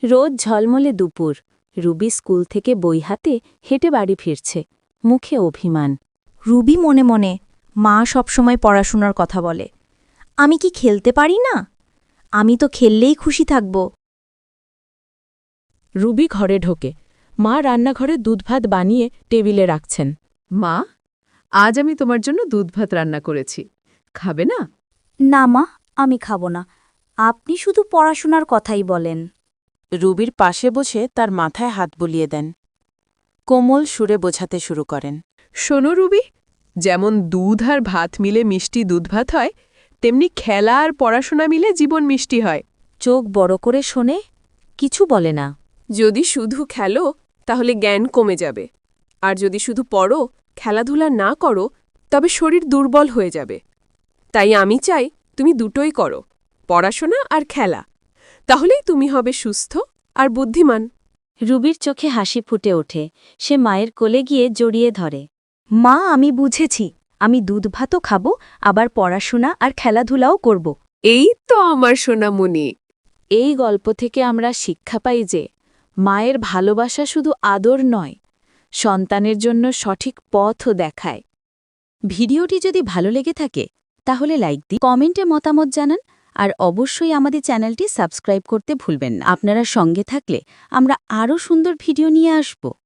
রোদ ঝলমলে দুপুর। রুবি স্কুল থেকে বই হাতে হেঁটে বাড়ি ফিরছে, মুখে অভিমান। রুবি মনে মনে, মা সবসময় পড়াশোনার কথা বলে। আমি কি খেলতে পারি না? আমি তো খেললেই খুশি থাকব। রুবি ঘরে ঢোকে। মা রান্নাঘরে দুধভাত বানিয়ে টেবিলে রাখছেন। মা, আজ আমি তোমার জন্য দুধভাত রান্না করেছি। খাবে না? না মা, আমি খাব না। আপনি শুধু পড়াশোনার কথাই বলেন। রুবির পাশে বসে তার মাথায় হাত বুলিয়ে দেন। কোমল সুরে বোঝাতে শুরু করেন। শোনো রুবি, যেমন দুধ আর ভাত মিলে মিষ্টি দুধভাত হয়, তেমনি খেলা আর পড়াশোনা মিলে জীবন মিষ্টি হয়। চোখ বড় করে শোনে, কিছু বলে না। যদি শুধু খেলো তাহলে জ্ঞান কমে যাবে, আর যদি শুধু পড়ো, খেলাধুলা না করো, তবে শরীর দুর্বল হয়ে যাবে। তাই আমি চাই তুমি দুটোই করো, পড়াশোনা আর খেলা। তাহলেই তুমি হবে সুস্থ আর বুদ্ধিমান। রুবির চোখে হাসি ফুটে ওঠে। সে মায়ের কোলে গিয়ে জড়িয়ে ধরে। মা, আমি বুঝেছি। আমি দুধ ভাতও খাব, আবার পড়াশোনা আর খেলাধুলাও করব। এই তো আমার সোনামণি। এই গল্প থেকে আমরা শিক্ষা পাই যে মায়ের ভালোবাসা শুধু আদর নয়, সন্তানের জন্য সঠিক পথও দেখায়। ভিডিওটি যদি ভালো লেগে থাকে তাহলে লাইক দিন, কমেন্টে মতামত জানান, আর অবশ্যই আমাদের চ্যানেলটি সাবস্ক্রাইব করতে ভুলবেন না। আপনারা সঙ্গে থাকলে আমরা আরও সুন্দর ভিডিও নিয়ে আসব।